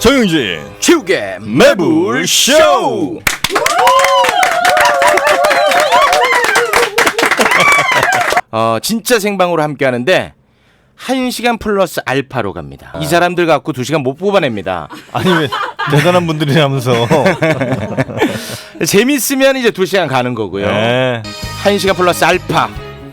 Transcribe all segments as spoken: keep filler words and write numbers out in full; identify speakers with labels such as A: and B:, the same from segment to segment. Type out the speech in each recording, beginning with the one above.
A: 정영진
B: 최욱의
A: 매불쇼.
B: 어, 진짜 생방으로 함께 하는데 한 시간 플러스 알파로 갑니다. 이 사람들 갖고 두 시간 못 뽑아냅니다.
A: 아니 왜 대단한 분들이라면서.
B: 재밌으면 이제 두 시간 가는 거고요.
A: 네.
B: 한 시간 플러스 알파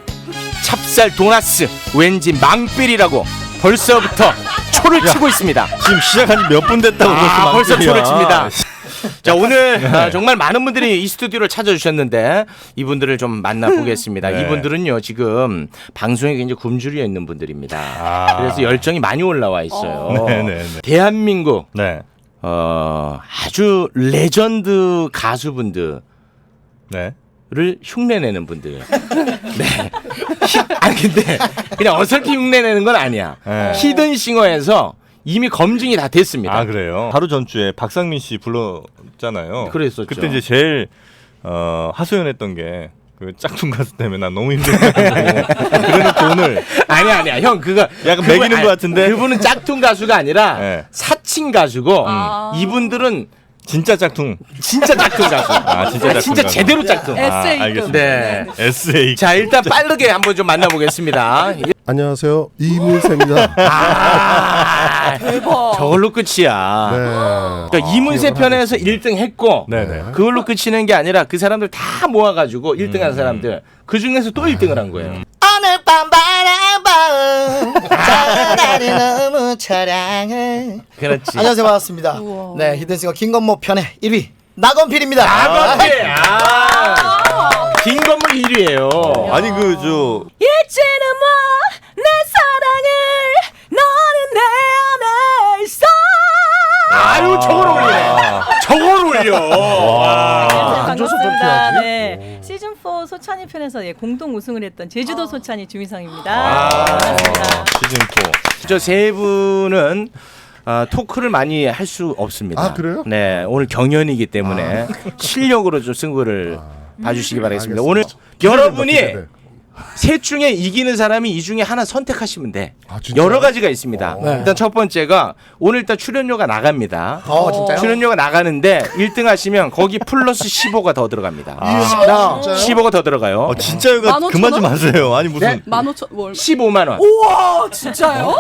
B: 찹쌀 도나스 왠지 망필이라고 벌써부터 초를 치고 있습니다.
A: 지금 시작한 지 몇 분 됐다고.
B: 아, 벌써
A: 망설이야.
B: 초를 칩니다. 자, 오늘 아, 정말 많은 분들이 이 스튜디오를 찾아주셨는데 이분들을 좀 만나보겠습니다.
A: 네.
B: 이분들은요 지금 방송에 굉장히 굶주려 있는 분들입니다.
A: 아.
B: 그래서 열정이 많이 올라와 있어요.
A: 네네네.
B: 대한민국
A: 네.
B: 어, 아주 레전드 가수분들을
A: 네.
B: 흉내내는 분들. 네. 히, 아니 근데 그냥 어설피 흉내내는 건 아니야.
A: 네.
B: 히든싱어에서 이미 검증이 다 됐습니다.
A: 아 그래요? 하루 전주에 박상민 씨 불렀잖아요.
B: 그랬었죠.
A: 그때 이제 제일 어, 하소연했던 게 그 짝퉁 가수 때문에 난 너무 힘들다고. 그래놓고 오늘
B: 아니야 아니야 형 그거
A: 약간
B: 그분,
A: 매기는
B: 아니,
A: 것 같은데.
B: 그분은 짝퉁 가수가 아니라
A: 네.
B: 사칭 가수고
C: 아.
B: 이분들은
A: 진짜 짝퉁.
B: 진짜 짝퉁 가수.
A: 아 진짜 짝퉁.
B: 진짜
A: 가수.
B: 제대로 짝퉁.
A: 아,
C: 에세이급.
A: 알겠습니다.
B: 네.
A: 에스에이.
B: 자 일단 빠르게 한번 좀 만나보겠습니다.
D: 안녕하세요, 이문세입니다.
B: 아,
C: 대박.
B: 저걸로 끝이야.
D: 네.
B: 그러니까 이문세 편에서 일 등 했고
A: 네네.
B: 그걸로 끝이는 게 아니라 그 사람들 다 모아가지고 일 등 한 사람들 그 중에서 또 일 등을 한 거예요.
E: 오늘 밤 바라봐 나를 너무 사랑해.
B: 그렇지.
E: 안녕하세요, 반갑습니다.
C: 우와.
E: 네, 히든싱어 김건모 편의 일 위 나건필입니다.
B: 나건필. 아, 긴 건물 일 위예요.
A: 아니 그 저
C: 이제는 뭐내 사랑을 너는 내 안에 있어.
B: 아유 저걸 올리네. 저걸 올려. 와.
D: 앉아서
C: 반갑습니다.
D: 좀 피하지?
C: 네. 시즌 사 소찬이 편에서 예, 공동 우승을 했던 제주도 소찬이 주미성입니다.
B: 아.
C: 반갑습니다.
A: 시즌 사.
B: 저 세 분은 아, 토크를 많이 할 수 없습니다.
D: 아, 그래요?
B: 네, 오늘 경연이기 때문에 실력으로 좀 승부를 봐주시기 바라겠습니다.
D: 알겠습니다.
B: 오늘
D: 기대된다,
B: 여러분이
D: 기대돼.
B: 셋 중에 이기는 사람이 이 중에 하나 선택하시면 돼.
D: 아, 진짜요?
B: 여러 가지가 있습니다.
E: 네.
B: 일단 첫 번째가 오늘 일단 출연료가 나갑니다.
E: 어, 진짜요?
B: 출연료가 나가는데 일 등 하시면 거기 플러스 십오가 더 들어갑니다.
E: 아, 진짜요?
B: 십오가 더 들어가요.
A: 어 진짜요가
C: 만 오천
A: 그만 좀
C: 원?
A: 하세요. 아니 무슨
B: 네?
C: 만 오천 월.
B: 십오만 원.
C: 우와 진짜요?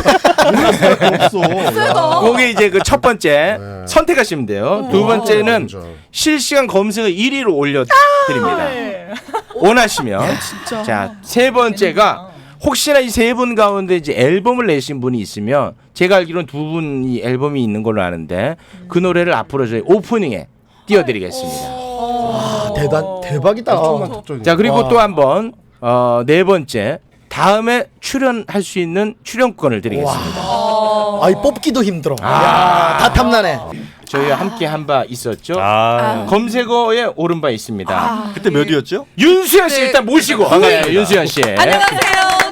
D: 없어.
C: 세다.
B: 거기 이제 그 첫 번째
D: 네.
B: 선택하시면 돼요. 두 번째는
D: 진짜.
B: 실시간 검색어 일 위로 올려드립니다.
C: 네.
B: 원하시면. 자, 세 번째가 혹시나 이 세 분 가운데 이제 앨범을 내신 분이 있으면 제가 알기로는 두 분이 앨범이 있는 걸로 아는데 그 노래를 앞으로 저희 오프닝에 띄워드리겠습니다.
E: 아, 대단 대박이다.
D: 조금만 특종이.
B: 자, 그리고
E: 와.
B: 또 한 번, 어, 네 번째. 다음에 출연할 수 있는 출연권을 드리겠습니다.
E: 아, 이 뽑기도 힘들어. 야, 다 탐나네.
B: 저희와 함께 한 바 있었죠.
A: 아
B: 검색어에 오른 바 있습니다.
A: 그때 몇 위였죠?
B: 윤수연 씨 일단 모시고 반갑습니다. 윤수연 씨.
C: 안녕하세요.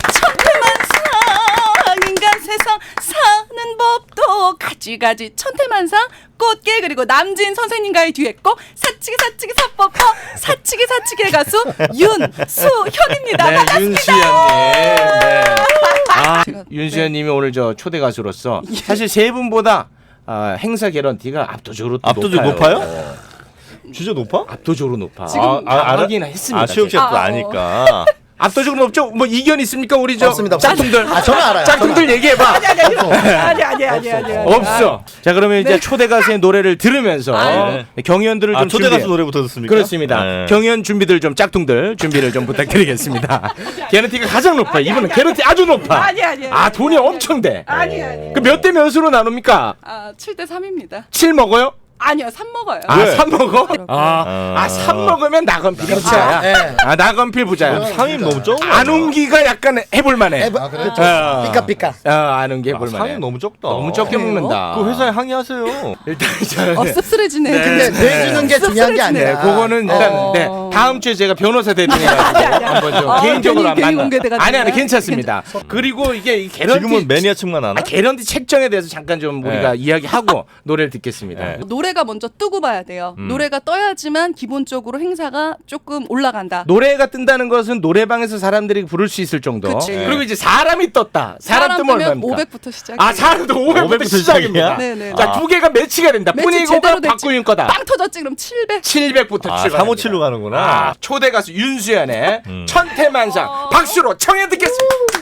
C: 천태만상 인간 세상 사는 법도 가지가지 천태만상 꽃게 그리고 남진 선생님과의 듀엣곡 사치기 사치기 사법퍼 사치기 사치기의 가수 윤수현입니다.
B: 네,
C: 반갑습니다.
B: 윤수연님. 네. 아, 윤수연님이 오늘 저 초대 가수로서 사실 세 분보다 아, 행사 개런티가 압도적으로 또
A: 압도적으로
B: 높아요.
A: 높아요? 진짜 높아?
B: 압도적으로 높아.
C: 지금
B: 아, 아,
A: 알아?
B: 알긴 했습니다.
A: 아 최욱
B: 제가.
A: 씨가 또
C: 아, 어.
A: 아니까.
B: 압도적으로 높죠? 뭐 이견 있습니까 우리 저
E: 없습니다, 없습니다.
B: 짝퉁들?
E: 아, 저는 알아요.
B: 짝퉁들 얘기해봐.
C: 아니 아니 아니 아니 아니 아니
B: 없어. 자 그러면 이제 초대 가수의 노래를 들으면서
A: 네.
B: 경연들을
A: 아
B: 좀
A: 초대
B: 준비해.
A: 가수 노래부터 듣습니까?
B: 그렇습니다.
A: 네.
B: 경연 준비들 좀 짝퉁들 준비를 좀 부탁드리겠습니다. 개런티가 가장 높아. 이분은 개런티 아주 높아.
C: 아니, 아니, 아니.
B: 아 돈이 엄청 돼.
C: 아니 아니
B: 그 몇 대 몇으로 나눕니까?
C: 아 칠 대 삼입니다.
B: 칠 먹어요?
C: 아니요 삼 먹어요.
B: 아
A: 왜?
B: 삼 먹어? 아,
A: 아.
B: 아 삼 먹으면 나건필 부자야.
E: 네.
B: 아 나건필 부자야.
A: 삼 위 너무 적어.
B: 안웅기가 약간 해볼만해.
E: 해봐.
D: 아, 그래?
B: 어.
E: 삐까삐까.
B: 어, 안웅기
A: 삼
B: 해볼만해.
A: 위 너무 적다.
B: 너무 적게
C: 그래요?
B: 먹는다.
A: 그 회사에 항의하세요.
B: 일단 저는
C: 어 씁쓸해지네.
E: 근데 내주는 게 중요한 게
B: 네,
E: 아니라.
B: 그거는 일단
C: 어.
B: 네, 다음 주에 제가 변호사 대리해가지고 한번 좀
C: 아,
B: 개인적으로
C: 괜히-
B: 한번
C: 괜히
B: 만나.
C: 공개돼가지고
B: 아니 아니
C: 그냥?
B: 괜찮습니다. 그리고 이게 이 개런티
A: 지금은 매니아층만 하나?
B: 아, 개런티 책정에 대해서 잠깐 좀 우리가
A: 네.
B: 이야기하고 노래를 듣겠습니다.
A: 네.
C: 노래가 먼저 뜨고 봐야 돼요.
A: 음.
C: 노래가 떠야지만 기본적으로 행사가 조금 올라간다.
B: 노래가 뜬다는 것은 노래방에서 사람들이 부를 수 있을 정도.
C: 그치.
B: 그리고 이제 사람이 떴다. 사람,
C: 사람
B: 뜨면
C: 뜨면
B: 얼마입니까?
C: 오백부터 시작.
B: 아 사람도 오백부터
A: 오백부터
B: 시작입니다.
A: 시작이야?
C: 네네.
B: 자, 두 개가 매치가 된다.
C: 매치
B: 분위기가
C: 제대로 됐지.
B: 박구윤 거다.
C: 빵 터졌지 그럼 칠백.
B: 칠백부터
A: 아,
B: 출발.
A: 삼오칠로 가는구나.
B: 아, 초대 가수 윤수연의
A: 음.
B: 천태만상
C: 어.
B: 박수로 청해 듣겠습니다.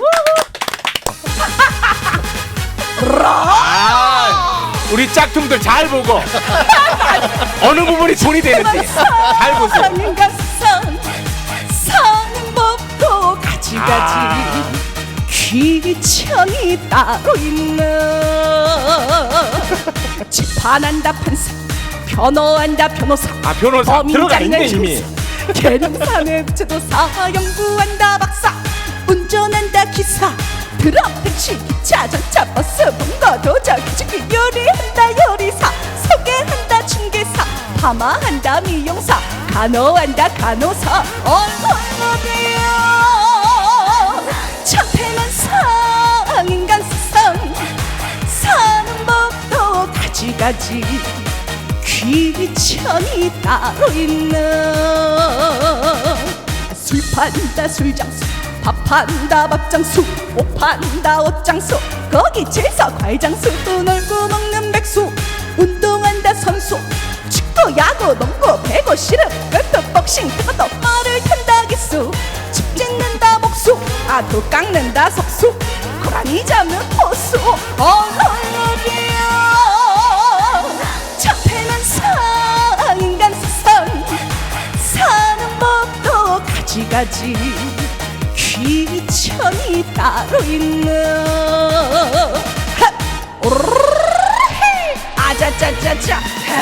B: 아, 우리 짝퉁들 잘 보고 어느 부분이 돈이 되는지 잘 보세요.
C: 인간성 사는 법도 가지가지
B: 아.
C: 귀천이 따로 있는 재판한다 판사 변호한다 변호사
B: 아 변호사 들어가 있네 이미.
C: 계룡사 내부제도사 연구한다 박사 운전한다 기사 트럭 택시 기차 전차 버스 본거 도적 기축기 요리한다 요리사 소개한다 중개사 파마한다 미용사 간호한다 간호사 얼마나돼요 천태만상 인간성 사는 법도 가지가지 귀천이 따로 있는 술 판다 술장수 밥 판다 밥장수 옷 판다 옷장수 거기 제서 과일장수 놀고 먹는 백수 운동한다 선수 축구 야구 농구 배구 씨름 골프 복싱 그것도 말을 탄다 기수 집 짓는다 목수 아도 깎는다 석수 고라니 잡는 포수 어머니야 천태만상 인간성 사는 법도 가지가지 귀천이 따로 있는 아자자자자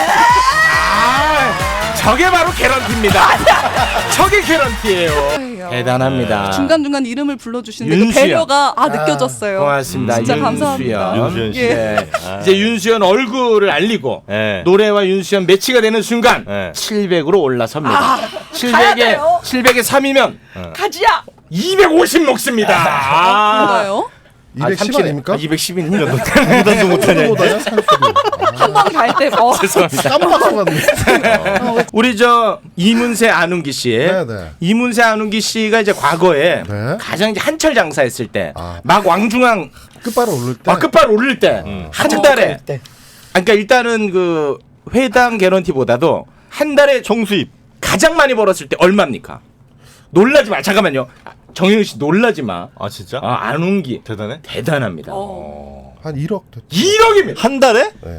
B: 아, 저게 바로 개런티입니다. 저게 개런티예요. 대단합니다.
C: 중간중간 이름을 불러주시는데 그
B: 윤수연.
C: 배려가 아 느껴졌어요.
B: 고맙습니다.
C: 진짜
B: 윤수연.
C: 감사합니다.
A: 윤수연 씨.
C: 예.
B: 네.
A: 아.
B: 이제 윤수연 얼굴을 알리고
A: 네.
B: 노래와 윤수연 매치가 되는 순간
A: 네.
B: 칠백으로 올라섭니다.
C: 아, 가야
B: 칠백에
C: 돼요.
B: 칠백에 삼이면
C: 가지야.
B: 이백오십 먹습니다. 아.
C: 그런가요?
D: 이백십 아닙니까?
B: 이백십입니다.
A: 무단도 못하냐.
D: 보다요 산수도.
C: 한 번 갈 때 어.
B: 죄송합니다.
D: 깜빡 갔네.
B: 우리 저 이문세 안웅기 씨,
D: 네, 네.
B: 이문세 안웅기 씨가 이제 과거에
D: 네.
B: 가장 이제 한철 장사했을 때,
D: 아.
B: 막 왕중왕
D: 끝발을 오를 때.
B: 아, 끝발 오를 때,
A: 음.
B: 한 달에,
E: 때.
B: 아, 그러니까 일단은 그 회당 개런티보다도 한 달에
A: 총수입.
B: 가장 많이 벌었을 때 얼마입니까? 놀라지 마. 잠깐만요. 정영희 씨 놀라지 마.
A: 아 진짜?
B: 아, 안웅기
A: 대단해?
B: 대단합니다.
C: 어.
D: 한 일억 됐죠.
B: 일억입니다.
A: 한 달에?
D: 네.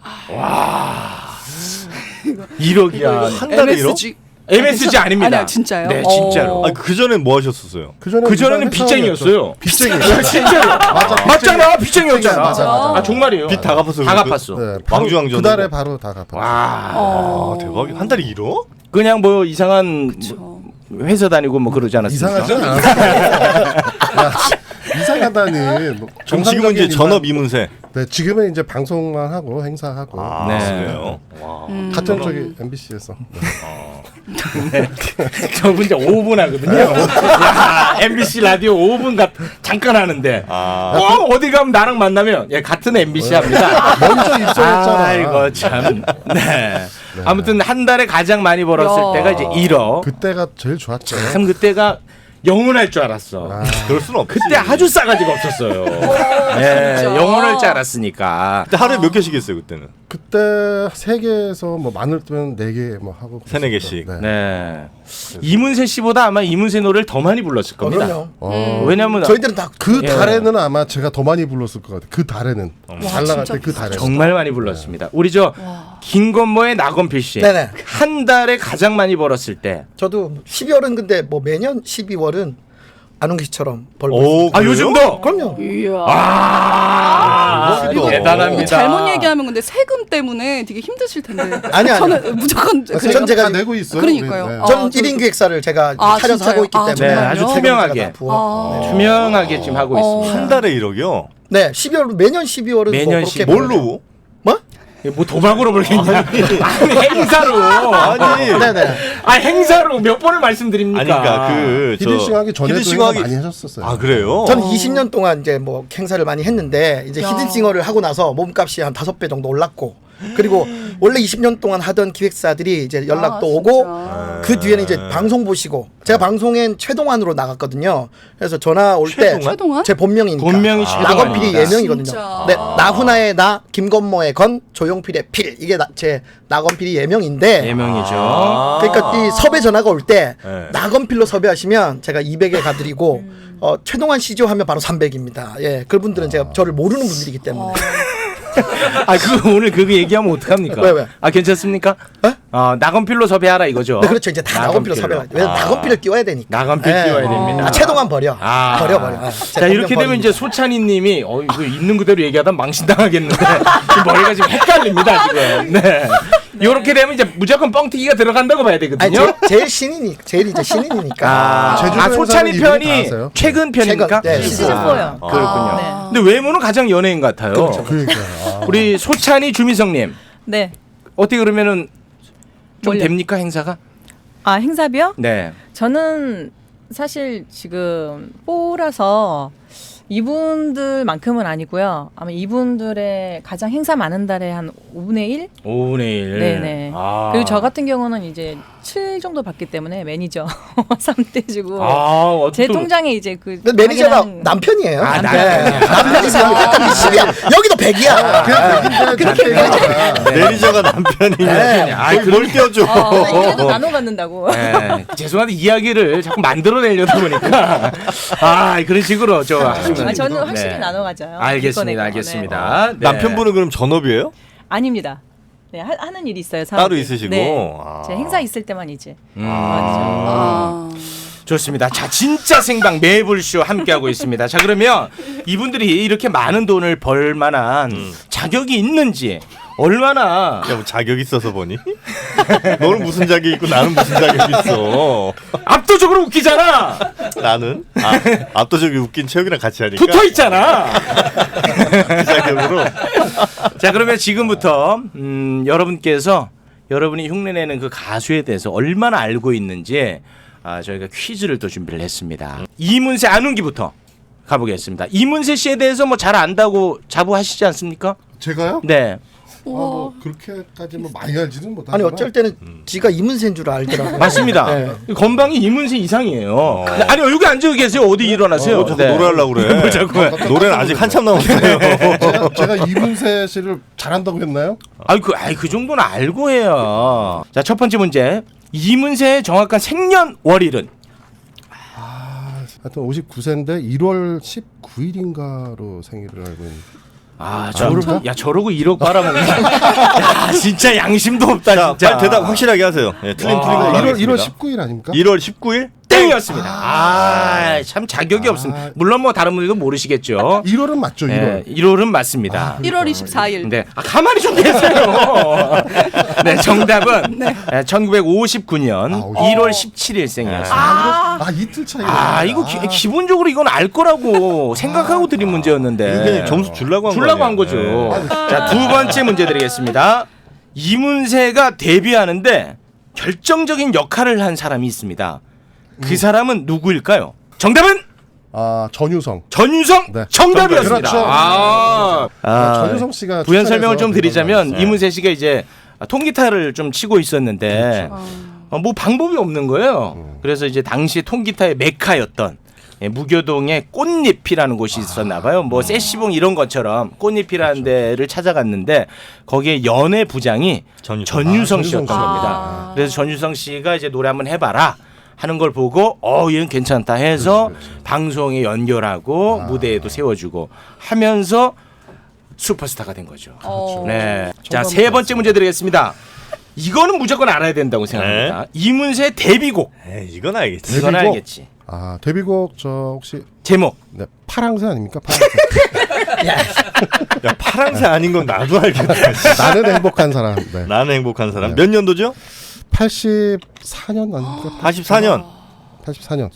B: 일억이야.
A: 한 달에 일억?
C: 엠에스지.
B: 엠에스지 아닙니다.
C: 아니야, 진짜요?
B: 네,
C: 어.
B: 진짜로.
A: 아니 그 전엔 뭐 하셨었어요?
D: 그 전에
B: 그 전에는 빚쟁이였어요.
D: 빚쟁이.
B: 진짜로.
D: 맞아.
B: 맞잖아. 빚쟁이였잖아.
D: 맞아, 맞아.
B: 아, 정말이에요.
A: 빚 다 갚았어요.
B: 다
A: 그-
B: 갚았어.
D: 네, 바로
A: 왕중왕전.
D: 그 달에 바로 다 갚았죠.
B: 와.
C: 어.
A: 아 대박이. 한 달에 일억?
B: 그냥 뭐 이상한 뭐 회사 다니고 뭐 그러지 않았습니까?
D: 이상하지 않아. 이상하다니. 뭐
A: 그럼 지금은 이제
D: 정상적인
A: 전업
D: 일반-
A: 이문세.
D: 네, 지금은 이제 방송만 하고 행사하고
A: 아
B: 네.
A: 그래요. 와.
D: 같은 저기 엠비씨에서. 네.
B: 저분 이제 오 분 하거든요. 야, 엠비씨 라디오 오 분 가, 잠깐 하는데.
A: 아.
B: 어, 어디 가면 나랑 만나면 예, 같은 엠비씨 합니다.
D: 먼저 입성했잖아.
B: 아이고 참. 네. 아무튼 한 달에 가장 많이 벌었을
C: 야.
B: 때가 이제 일억.
D: 그때가 제일 좋았죠.
B: 참 그때가 영원할 줄 알았어.
D: 아,
A: 그럴 수는 없지.
B: 그때 아주 싸가지가 없었어요. 네,
C: 진짜.
B: 영원할 줄 알았으니까.
A: 그때 하루에 몇 개씩 했어요 그때는?
D: 그때 세 개에서 뭐 많을 때는 네 개 뭐 하고.
A: 세네
D: 그랬었죠.
A: 개씩.
D: 네.
B: 네. 이문세 씨보다 아마 이문세 노래를 더 많이 불렀을
E: 어,
B: 겁니다.
E: 그럼요.
D: 어,
B: 왜냐면
E: 저희들은 다
D: 그
B: 예.
D: 달에는 아마 제가 더 많이 불렀을 것 같아요. 그 달에는 잘 나갈 때 그 달에.
B: 정말 많이 불렀습니다. 우리 저 김건모의 나건필 씨.
E: 네네.
B: 한 달에 가장 많이 벌었을 때.
E: 저도 십이월은 근데 뭐 매년 십이월은 안웅기 씨처럼 벌고
A: 오,
E: 있습니다.
B: 아
A: 그래요?
B: 요즘도.
E: 그럼요.
C: 이야.
B: 아,
A: 이거
B: 대단합니다.
C: 잘못 얘기하면 근데 세금 때문에 되게 힘드실 텐데.
E: 아니, 아니.
C: 저는 무조건
D: 전
C: 그래요.
E: 제가
D: 다 내고 있어요.
C: 그러니까요.
D: 우리, 네.
C: 아,
E: 저는
C: 저-
E: 일 인 기획사를 제가
C: 아,
E: 차려서
C: 진짜요?
E: 하고 있기
C: 아,
E: 때문에
B: 네, 아주
C: 정말요?
B: 투명하게.
E: 세금제가 다 부어.
C: 아.
B: 투명하게 지금 하고
C: 어.
B: 있습니다.
A: 한 달에 일억이요?
E: 네, 십이월 매년 십이월은
B: 매년
E: 뭐 그렇게
B: 십이월.
A: 뭘로?
E: 뭐?
B: 뭐 도박으로 벌겠냐? 아니 행사로.
A: 아니.
E: 네네.
B: 아 행사로 몇 번을 말씀드립니까?
A: 아니 그러니까 그저
D: 히든싱 하기 전에도
A: 히든싱
D: 행사
A: 하기-
D: 많이 하셨었어요.
A: 아 그래요?
E: 저는 이십 년 동안 이제 뭐 행사를 많이 했는데 이제
C: 야.
E: 히든싱어를 하고 나서 몸값이 한 다섯 배 정도 올랐고 그리고 원래 이십 년 동안 하던 기획사들이 이제 연락도
C: 아,
E: 오고
C: 진짜.
E: 그 뒤에는 이제 방송 보시고 제가 방송엔 최동환으로 나갔거든요. 그래서 전화 올 때
C: 최동환?
E: 제 본명이니까
B: 본명이
E: 나건 필이
B: 최동환이니까.
E: 예명이거든요.
C: 진짜.
E: 네, 나훈아의 나, 김건모의 건, 조용필의 필 이게 나, 제 나건 필이 예명인데
B: 예명이죠.
A: 아.
E: 그러니까 이 섭외 전화가 올 때
A: 네.
E: 나건필로 섭외하시면 제가 이백에 가드리고
C: 음.
E: 어, 최동환 씨죠 하면 바로 삼백입니다. 예, 그분들은 제가 저를 모르는 분들이기 때문에.
B: 아, 그 오늘 그거 얘기하면 어떡합니까?
E: 왜, 왜?
B: 아, 괜찮습니까?
E: 어?
B: 어, 나건필로 섭외하라 이거죠.
E: 네, 그렇죠. 이제 다 나건필로 섭외가. 왜냐면 나건필을 띄워야 되니까.
B: 나건필
E: 예.
B: 띄워야 됩니다.
E: 아, 최동환 버려.
B: 아.
E: 버려 버려. 아, 제
B: 자, 이렇게
E: 본명
B: 되면 이제
E: 버립니다.
B: 소찬이 님이 어, 이거 있는 그대로 얘기하다 망신당하겠는데 지금 머리가 지금 헷갈립니다, 지금. 네. 이렇게 되면 이제 무조건 뻥튀기가 들어간다고 봐야
E: 아니,
B: 되거든요.
E: 제, 제일 신인이 제일 이제 신인이니까.
B: 아,
D: 제주도
B: 아, 소찬이
D: 행사는 이분이 다
B: 편이
D: 하세요.
B: 최근 편입니까?
E: 최근, 네,
F: 시즌 사요.
B: 아, 그렇군요.
F: 네.
B: 근데 외모는 가장 연예인 같아요.
D: 그러니까요. 아.
B: 우리 소찬이 주미성님
F: 네.
B: 어떻게 그러면은 좀
F: 뭘요?
B: 됩니까 행사가?
F: 아 행사비요?
B: 네.
F: 저는 사실 지금 뽀라서 이분들만큼은 아니고요. 아마 이분들의 가장 행사 많은 달에 한 오분의 일?
B: 오분의 일.
F: 네네.
B: 아.
F: 그리고 저 같은 경우는 이제 칠 정도 받기 때문에 매니저 삼 대 주고
B: 아, 어,
F: 제
B: 또-
F: 통장에 이제 그
E: 근데 매니저가
F: 당연한-
E: 남편이에요.
B: 아,
E: 네.
B: 남편이야.
E: 남편이 약간 십이야. 여기도 백이야.
A: 매니저가 남편이냐?
B: 아이,
A: 뭘, 뭘 띄워줘?
F: 어, 이래도 나눠 갖는다고.
B: 네, 죄송한데 이야기를 자꾸 만들어내려다 보니까 아 그런 식으로 저 하시면
F: 아, 저는 확실히
B: 네.
F: 나눠 가져요.
B: 알겠습니다,
F: 기꺼내고.
B: 알겠습니다. 네.
A: 남편분은 그럼 전업이에요?
F: 네. 아닙니다. 네, 하, 하는 일이 있어요.
A: 따로
F: 사업이.
A: 있으시고?
F: 네.
A: 아.
F: 제 행사 있을 때만 이제.
B: 음.
C: 아.
B: 좋습니다. 자, 진짜 생방 매불쇼 함께하고 있습니다. 자, 그러면 이분들이 이렇게 많은 돈을 벌 만한
A: 음.
B: 자격이 있는지 얼마나
A: 야, 뭐 자격 있어서 보니? 너는 무슨 자격 있고 나는 무슨 자격 있어?
B: 압도적으로 웃기잖아.
A: 나는 아, 압도적으로 웃긴 체육이랑 같이 하니까
B: 붙어 있잖아.
A: 그 자격으로.
B: 자, 그러면 지금부터 음, 여러분께서 여러분이 흉내내는 그 가수에 대해서 얼마나 알고 있는지 아, 저희가 퀴즈를 또 준비를 했습니다. 이문세 안운기부터 가보겠습니다. 이문세 씨에 대해서 뭐 잘 안다고 자부하시지 않습니까?
D: 제가요?
B: 네.
D: 아, 뭐 그렇게까지 뭐 많이 알지는 못하지만
E: 아니 어쩔 때는 지가 이문세인 줄 알더라고요.
B: 맞습니다.
E: 네.
B: 건방이 이문세 이상이에요. 아니 여기 앉아 계세요. 어디 일어나세요?
A: 어, 자꾸 노래하려고 그래.
B: 뭐 자꾸.
A: 노래는 아직 한참 남았어요.
D: 제가, 제가 이문세 씨를 잘한다고 했나요?
B: 아이 그, 아이 그 정도는 알고 해요. 자, 첫 번째 문제. 이문세의 정확한 생년월일은?
D: 하여튼 오십구 세인데 일월 십구일인가로 생일을 알고 있는.
B: 아,
D: 아,
B: 저,
D: 모를까?
B: 야 저러고 일억 빨아먹는. 야, 진짜 양심도 없다.
A: 자,
B: 진짜.
A: 빨리 대답 확실하게 하세요. 예, 틀린 틀린 걸로
D: 일월
A: 하겠습니다.
D: 일월 십구일 아닙니까?
A: 일월 십구일?
B: 땡이었습니다. 아, 참 자격이
D: 아.
B: 없습니다. 물론 뭐 다른 분들도 모르시겠죠.
D: 일월은 맞죠,
B: 네,
D: 일월.
B: 일월은 맞습니다.
C: 일월 이십사일.
B: 네, 아, 가만히 좀 계세요. 네, 정답은 네, 천구백오십구 년
D: 아, 오십구.
B: 일월 십칠일생이었습니다.
C: 아.
D: 아, 이틀 차이.
B: 아, 이거 기, 기본적으로 이건 알 거라고 생각하고 드린 문제였는데.
A: 이거 그냥 점수 주려고 한
B: 주려고
A: 거
B: 한 거죠.
A: 아니에요?
B: 자, 두 번째 문제 드리겠습니다. 이문세가 데뷔하는데 결정적인 역할을 한 사람이 있습니다. 그 사람은 누구일까요? 정답은
D: 아, 전유성.
B: 전유성
D: 네.
B: 정답이었습니다.
D: 그렇죠.
B: 아,
D: 아, 전유성 씨가
B: 부연
D: 추천해서
B: 설명을 좀 드리자면
A: 네.
B: 이문세 씨가 이제 통기타를 좀 치고 있었는데 어, 뭐 방법이 없는 거예요. 그래서 이제 당시 통기타의 메카였던 예, 무교동의 꽃잎이라는 곳이 있었나 봐요. 뭐 세시봉 이런 것처럼 꽃잎이라는 데를 찾아갔는데 거기에 연애 부장이
A: 전유성.
B: 전유성
D: 아,
B: 씨였던
D: 전유성 씨.
B: 겁니다.
C: 아.
B: 그래서 전유성 씨가 이제 노래 한번 해봐라 하는 걸 보고 어 얘는 괜찮다 해서
D: 그렇지, 그렇지.
B: 방송에 연결하고
D: 아.
B: 무대에도 세워주고 하면서 슈퍼스타가 된 거죠.
C: 어.
B: 네. 자,
D: 정답
B: 세 번째 문제 드리겠습니다. 이거는 무조건 알아야 된다고 생각합니다. 이문세 데뷔곡.
A: 에이, 이건 알겠지.
B: 이건
D: 데뷔곡?
B: 알겠지.
D: 아, 데뷔곡 저 혹시
B: 제목.
D: 네, 파랑새 아닙니까? 파랑새.
A: 야, 파랑새 아닌 건 나도 알겠다.
D: 나는 행복한 사람. 네.
A: 나는 행복한 사람.
D: 네.
A: 몇 년도죠?
D: 팔십사 년 아닙니까?
A: 팔십사 년.
D: 팔십사 년.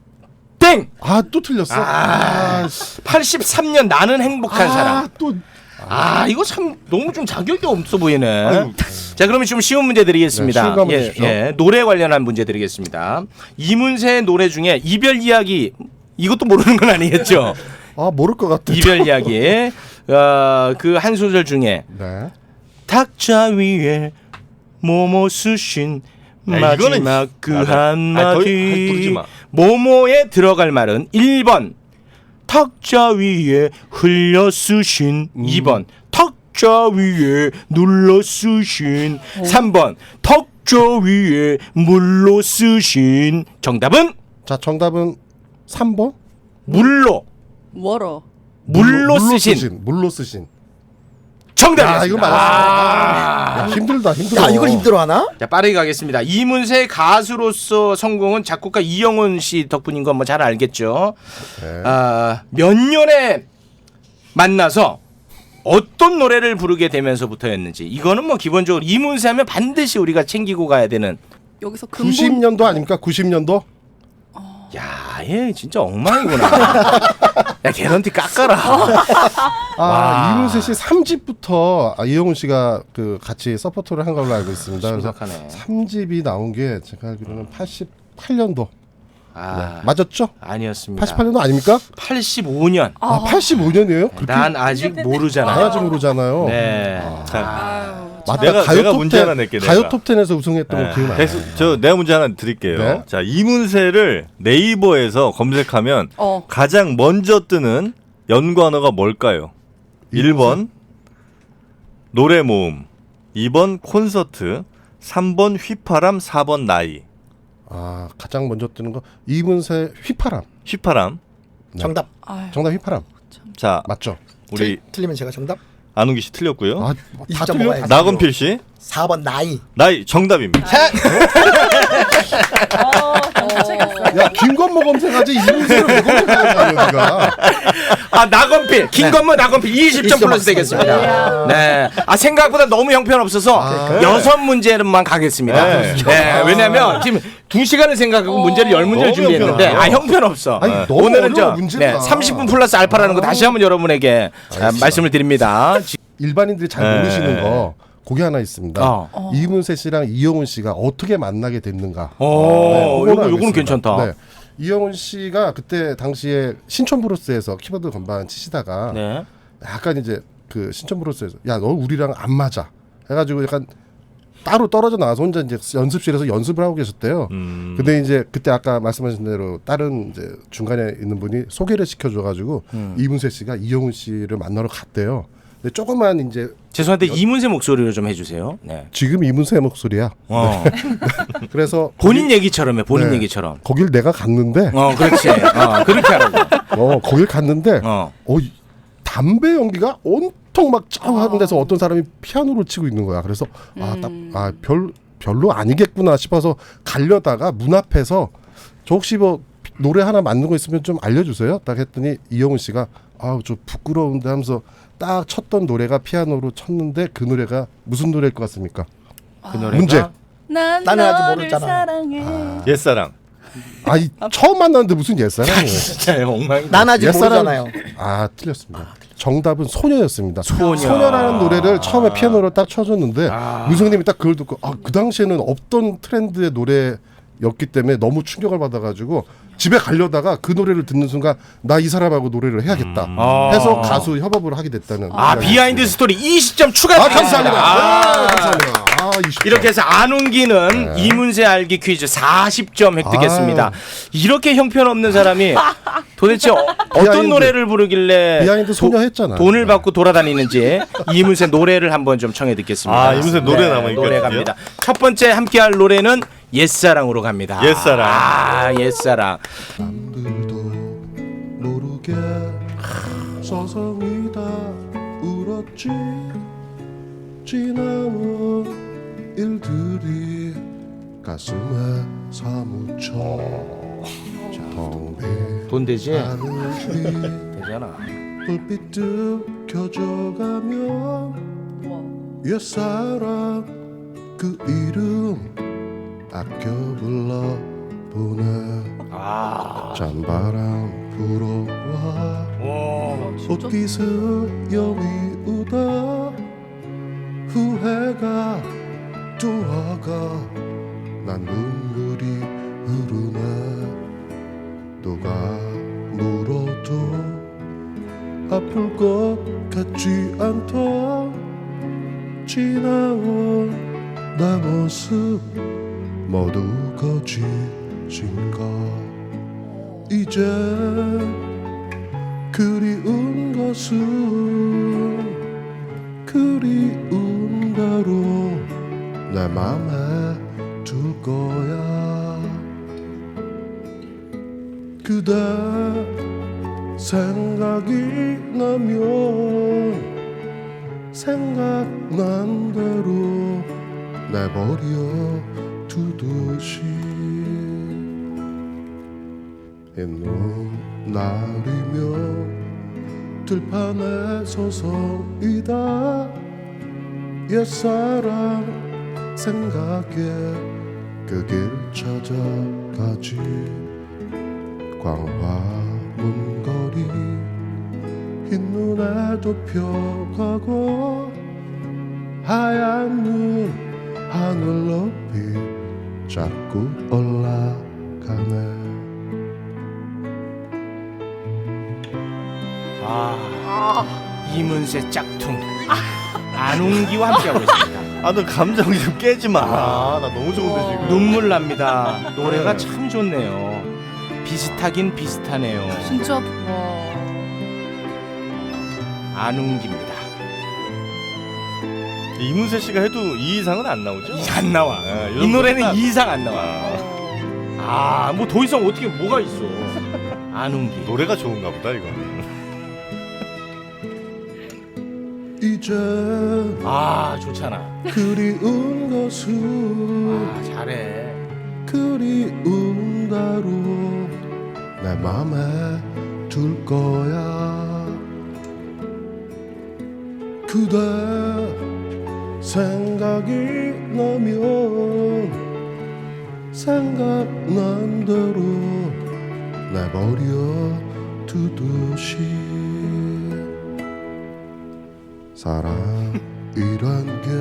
B: 땡.
D: 아, 또 틀렸어.
B: 아.
D: 아, 씨.
B: 팔십삼 년 나는 행복한
D: 아,
B: 사람.
D: 또
B: 아 이거 참 너무 좀 자격이 없어 보이네.
A: 아이고.
B: 자 그러면 좀 쉬운 문제 드리겠습니다.
D: 네, 쉬운 거 한번
B: 예,
D: 주십시오.
B: 예, 노래 관련한 문제 드리겠습니다. 이문세의 노래 중에 이별 이야기 이것도 모르는 건 아니겠죠?
D: 아 모를 것 같아.
B: 이별 이야기 어, 그 한 소절 중에
D: 네.
B: 탁자 위에 모모 쓰신
A: 야, 이거는
B: 마지막 그
A: 아, 나- 아, 더- 아이, 부르지
B: 한마디
A: 마.
B: 모모에 들어갈 말은 일 번 탁자 위에 흘려 쓰신
A: 음.
B: 이 번 탁자 위에 눌러 쓰신 삼 번 탁자 위에 물로 쓰신 정답은
D: 자 정답은 삼 번.
B: 물로
C: 워러.
B: 물로 쓰신
D: 물로 쓰신.
B: 정답입니다.
D: 야 이거 맞았어. 야, 힘들다 힘들어.
E: 야 이걸 힘들어하나?
B: 자 빠르게 가겠습니다. 이문세 가수로서 성공은 작곡가 이영훈 씨 덕분인 건 뭐 잘 알겠죠.
D: 네.
B: 아, 몇 년에 만나서 어떤 노래를 부르게 되면서부터였는지 이거는 뭐 기본적으로 이문세 하면 반드시 우리가 챙기고 가야 되는.
C: 여기서 근본
D: 구십 년도 아닙니까? 구십 년도?
B: 야, 얘 진짜 엉망이구나. 야, 개런티 깎아라.
D: 아
B: 와.
D: 이문세 씨 삼 집부터 아, 이영훈 씨가 그 같이 서포터를 한 걸로 알고 있습니다. 그래서
B: 심각하네.
D: 삼 집이 나온 게 제가 알기로는 팔십팔 년도.
B: 아,
D: 맞았죠?
B: 아니었습니다.
D: 팔십팔 년도 아닙니까?
B: 팔십오 년.
D: 아, 팔십오 년이에요? 그렇게
B: 난 아직 모르잖아요.
D: 나아지 모르잖아요.
B: 네.
A: 자,
C: 아유,
D: 맞다.
A: 내가-
D: 가요
A: 내가
D: 톱
A: 문제
D: 텐,
A: 하나 낼게,
D: 가요
A: 내가.
D: 톱텐에서 우승했던 거 기억나요?
A: 됐어. 저 내가 문제 하나 드릴게요.
D: 네.
A: 자, 이문세를 네이버에서 검색하면
C: 어.
A: 가장 먼저 뜨는 연관어가 뭘까요? 일 번 노래 모음, 이 번 콘서트, 삼 번 휘파람, 사 번 나이.
D: 아 가장 먼저 뜨는 거 이문세 휘파람.
A: 휘파람.
E: 정답.
C: 아유.
D: 정답 휘파람
A: 자,
D: 맞죠?
A: 우리
E: 틀, 틀리면 제가 정답.
A: 안웅기 씨 틀렸고요.
D: 아,
E: 이십
D: 다
E: 점
D: 틀려?
E: 먹어야지.
A: 나건필 씨
E: 사 번 나이.
A: 나이 정답입니다.
D: 야 김건모 검색하지 이문세를 왜 검색하는 거야 네가?
B: 아 나건필 김건모 나건필 이십 점
E: 이십 점
B: 플러스 되겠습니다. 네. 아 생각보다 너무 형편없어서
D: 아.
B: 여섯 문제만 가겠습니다.
A: 네.
B: 네. 왜냐면 지금 두 시간을 생각하고 문제를 열 문제를
A: 너무
B: 준비했는데
A: 형편없어요.
B: 아 형편없어.
D: 아니, 너무
B: 오늘은 저
D: 어려워, 문제가.
B: 네, 삼십 분 플러스 알파라는 거 다시 한번 여러분에게 아, 말씀을 드립니다.
D: 일반인들이 잘
A: 네.
D: 모르시는 거 그게 하나 있습니다.
B: 어.
D: 이문세 씨랑 이영훈 씨가 어떻게 만나게 됐는가?
B: 오,
D: 그거는
B: 요거 요거는
D: 알겠습니다.
B: 괜찮다.
D: 네. 이영훈 씨가 그때 당시에 신촌 브루스에서 키보드 건반 치시다가
B: 네.
D: 약간 이제 그 신촌 브루스에서 야 너 우리랑 안 맞아 해가지고 약간 따로 떨어져 나와서 혼자 이제 연습실에서 연습을 하고 계셨대요.
A: 음.
D: 근데 이제 그때 아까 말씀하신 대로 다른 이제 중간에 있는 분이 소개를 시켜줘가지고
B: 음.
D: 이문세 씨가 이영훈 씨를 만나러 갔대요. 근데 조금만 이제
B: 죄송한데 이문세 목소리로 좀 해주세요. 네.
D: 지금 이문세 목소리야.
B: 어.
D: 그래서
B: 본인
D: 거기-
B: 얘기처럼 해. 본인
D: 네.
B: 얘기처럼.
D: 거길 내가 갔는데
B: 어, 그렇지. 어, 그렇게 하라고.
D: 어 거길 갔는데
B: 어.
D: 어 이- 담배 연기가 온통 막 짜고 하는 데서 어떤 사람이 피아노를 치고 있는 거야. 그래서 아딱아별 별로 아니겠구나 싶어서 가려다가 문 앞에서 저 혹시 뭐 노래 하나 맞는 거 있으면 좀 알려주세요. 딱 했더니 이영훈 씨가 아우 좀 부끄러운데 하면서 딱 쳤던 노래가 피아노로 쳤는데 그 노래가 무슨 노래일 것 같습니까?
B: 그 노래가
D: 문제.
C: 난
E: 나는 아직
C: 너를
E: 모르잖아.
C: 사랑해.
A: 옛사랑.
D: 아니 처음 만났는데 무슨 옛사랑이에요?
B: 진짜 엉망.
E: 난 아직
D: 옛사람-
E: 모르잖아요.
D: 아 틀렸습니다. 정답은 소녀였습니다.
B: 소녀.
D: 소녀라는 노래를 처음에 피아노로 딱 쳐줬는데
B: 아.
D: 무승님이 딱 그걸 듣고 아, 그 당시에는 없던 트렌드의 노래였기 때문에 너무 충격을 받아가지고 집에 가려다가 그 노래를 듣는 순간 나 이 사람하고 노래를 해야겠다
B: 아.
D: 해서 가수 협업을 하게 됐다는.
B: 아
D: 이야기.
B: 비하인드 스토리 이십 점
D: 아
B: 추가드리겠습니다.
D: 감사합니다.
B: 아.
D: 아, 감사합니다. 아, 이십 점.
B: 이렇게 해서 안웅기는
D: 네.
B: 이문세 알기 퀴즈 사십 점 획득했습니다.
D: 아유.
B: 이렇게 형편없는 사람이 도대체 어, 어떤
D: 비하인드.
B: 노래를 부르길래
D: 비하인드 소녀 했잖아.
B: 돈을
D: 네.
B: 받고 돌아다니는지 이문세 노래를 한번 좀 청해 듣겠습니다.
A: 아, 이문세 노래 남아있거든요.
B: 노래 갑니다. 첫 번째 함께할 노래는 옛사랑으로 갑니다.
A: 옛사랑.
B: 아, 옛사랑.
D: 남들도 모르게 서성이다 울었지 지나온 일들이 가슴에 사무쳐 텅빈
B: 돈 되지?
D: 하늘이
B: 되잖아.
D: 불빛 켜져가면 옛사랑 그 이름 아껴 불러보네
B: 아.
D: 찬바람 불어와 옷깃을 여미우다 후회가 돌아가 난 눈물이 흐르네 누가 물어도 아플 것 같지 않다 지나온 내 모습 모두 거짓인가 이제 그리운 것은 그리운 대로 내 맘에 둘 거야 그대 생각이 나면 생각난 대로 내버려 두듯이 있는 날이면 들판에 서성이다 옛사랑 생각에 그 길 찾아가지 광화문 거리 흰눈에 덮여가고 하얀 눈 하늘 높이 자꾸 올라가네
B: 아, 이문세 짝퉁 안웅기와 함께하고 있습니다.
A: 아, 너 감정 좀 깨지 마. 나 너무 좋은데 지금.
B: 눈물 납니다. 노래가
A: 네.
B: 참 좋네요. 비슷하긴 비슷하네요.
C: 진짜 와.
B: 안웅기입니다.
A: 이문세 씨가 해도 이 이상은 안 나오죠?
B: 이 안 나와.
A: 네,
B: 이 노래는
A: 딱-
B: 이 이상 안 나와.
A: 아,
B: 아, 뭐 더 이상 어떻게 뭐가 있어? 안웅기.
A: 노래가 좋은가 보다 이거는.
D: 이제
B: 아, 좋잖아.
D: 그리운 것은
B: 아, 잘해.
D: 그리운 대로 내 맘에 둘 거야 그대 생각이 나면 생각난 대로 내버려 두듯이 사랑이란 게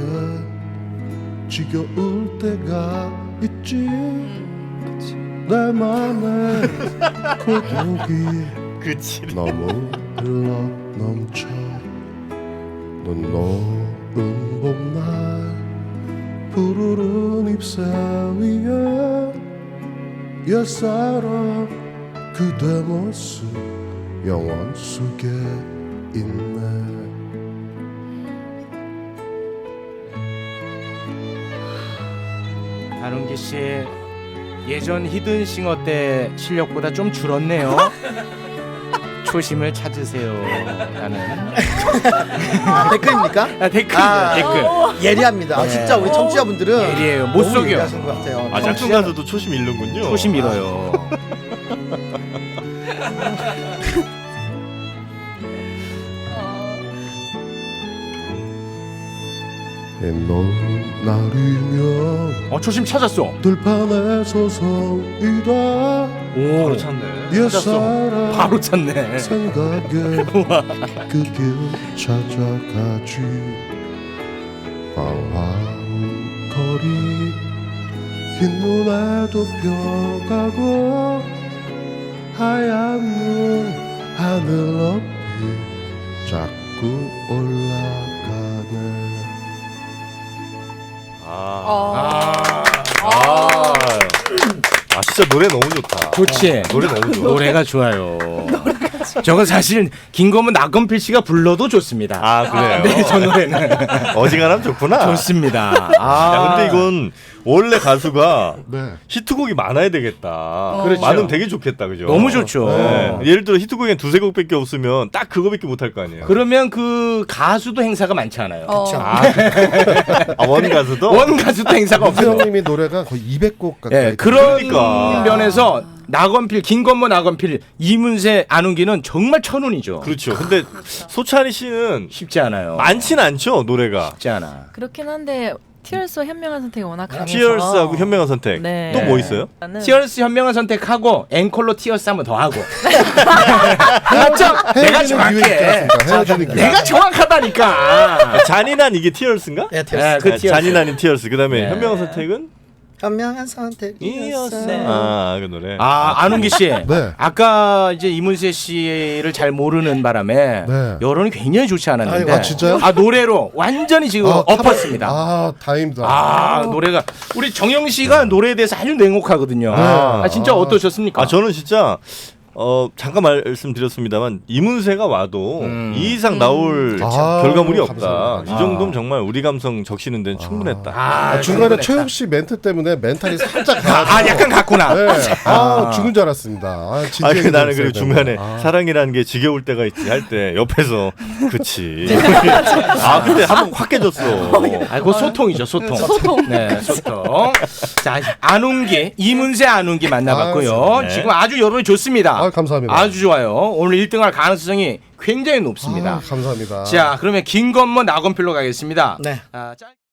D: 지겨울 때가 있지 내 맘에 고독이
A: 그치.
D: 너무 흘러 넘쳐 눈 녹은 봄날 푸르른 잎새 위에 옛사랑 그대 모습 영원 속에 있네
B: 안웅기 씨 예전 히든싱어 때 실력보다 좀 줄었네요. 초심을 찾으세요. 라는
E: 아, 댓글입니까?
B: 아, 댓글
E: 아,
B: 댓글.
E: 예리합니다. 아,
B: 네.
E: 진짜 우리 청취자분들은
B: 예리해요. 못
E: 너무
B: 속여.
E: 예리하신 것 같아요.
A: 아, 짝퉁 가수도 초심 잃는군요.
B: 초심 잃어요.
D: 옛날 날이면
B: 어, 초심 찾았어.
D: 들판에 서성이다
B: 오,
A: 바로 찾네.
D: 옛사랑
B: 바로 찾네.
D: 생각에 그 길 찾아가지 광화문 거리 흰눈에 덮여가고 하얀 눈 하늘 높이 자꾸 올라가네
A: 아.
B: 아,
A: 아. 아, 진짜 노래 너무 좋다.
B: 좋지.
A: 노래 너무 좋아.
B: 노래가 좋아요. 저건 사실 김건모 나건필 씨가 불러도 좋습니다.
A: 아, 그래요?
B: 네, 저 노래는
A: 어지간하면 좋구나.
B: 좋습니다. 아,
A: 야, 근데 이건 원래 가수가
D: 네.
A: 히트곡이 많아야 되겠다.
B: 그렇죠.
A: 많으면 되게 좋겠다, 그죠?
B: 너무 좋죠.
A: 네. 예를 들어 히트곡에 두세 곡밖에 없으면 딱 그거밖에 못 할 거 아니에요.
B: 그러면 그 가수도 행사가 많지 않아요.
C: 어.
A: 아, 아, 원 가수도
B: 원 가수도 행사가 없어요.
D: 이수영님이 노래가 거의 이백 곡 가까이
B: 예, 그런
A: 그러니까.
B: 면에서 나건필, 김건모, 나건필, 이문세, 안웅기는 정말 천운이죠.
A: 그렇죠. 근데 소찬희 씨는
B: 쉽지 않아요.
A: 많진 않죠, 노래가.
B: 쉽지 않아.
F: 그렇긴 한데 티얼스와 현명한 선택이 워낙 강해서
A: 티얼스하고 현명한 선택.
F: 네.
A: 또 뭐 있어요?
F: 나는
B: 티얼스 현명한 선택하고 앵콜로 티얼스 한번 더 하고. 맞죠? 내가
D: 헤어지는 기회
B: 정확해.
D: 있지 않습니까? 헤어지는 기회.
B: 내가 정확하다니까.
A: 아, 잔인한 이게 티얼스인가?
E: 예,
B: 네,
E: 티어스.
B: 그
A: 아,
B: 티얼스.
A: 잔인한 티얼스. 그다음에
B: 네.
A: 현명한 선택은
E: 현명한 선택이었어.
A: 아, 그 노래.
B: 아, 안웅기 씨.
D: 네.
B: 아까 이제 이문세 씨를 잘 모르는 바람에
D: 네.
B: 여론이 굉장히 좋지 않았는데.
D: 아이고, 아, 진짜요?
B: 아, 노래로 완전히 지금
D: 아,
B: 엎었습니다.
D: 아, 다행이다.
B: 아, 노래가 우리 정영 씨가 노래에 대해서 아주 냉혹하거든요.
D: 네.
B: 아, 진짜 어떠셨습니까?
A: 아, 저는 진짜 어 잠깐 말씀드렸습니다만 이문세가 와도
B: 음.
A: 이 이상 나올
D: 아,
A: 결과물이 없다.
D: 감사합니다.
A: 이 정도면 정말 우리 감성 적시는 데는 충분했다.
B: 아,
D: 아, 중간에
B: 충분했다.
D: 최욱 씨 멘트 때문에 멘탈이 살짝
B: 아, 아, 약간 갔구나.
D: 네. 아, 죽은 줄 알았습니다. 아,
A: 아,
D: 진지하게
A: 그 나는
D: 들었어야
A: 그리고 중간에
D: 되는데. 아.
A: 사랑이라는 게 지겨울 때가 있지 할 때 옆에서 그치. 아 근데 한번 확 깨졌어.
B: 아, 그거 소통이죠, 소통.
C: 소통.
B: 네, 소통. 자, 안웅기, 이문세 안웅기 만나봤고요.
A: 네.
B: 지금 아주 여론이 좋습니다.
D: 아, 감사합니다.
B: 아주 좋아요. 오늘 일 등할 가능성이 굉장히 높습니다.
D: 아, 감사합니다.
B: 자, 그러면 김건모 나건필로 가겠습니다.
E: 네.
B: 아, 짧-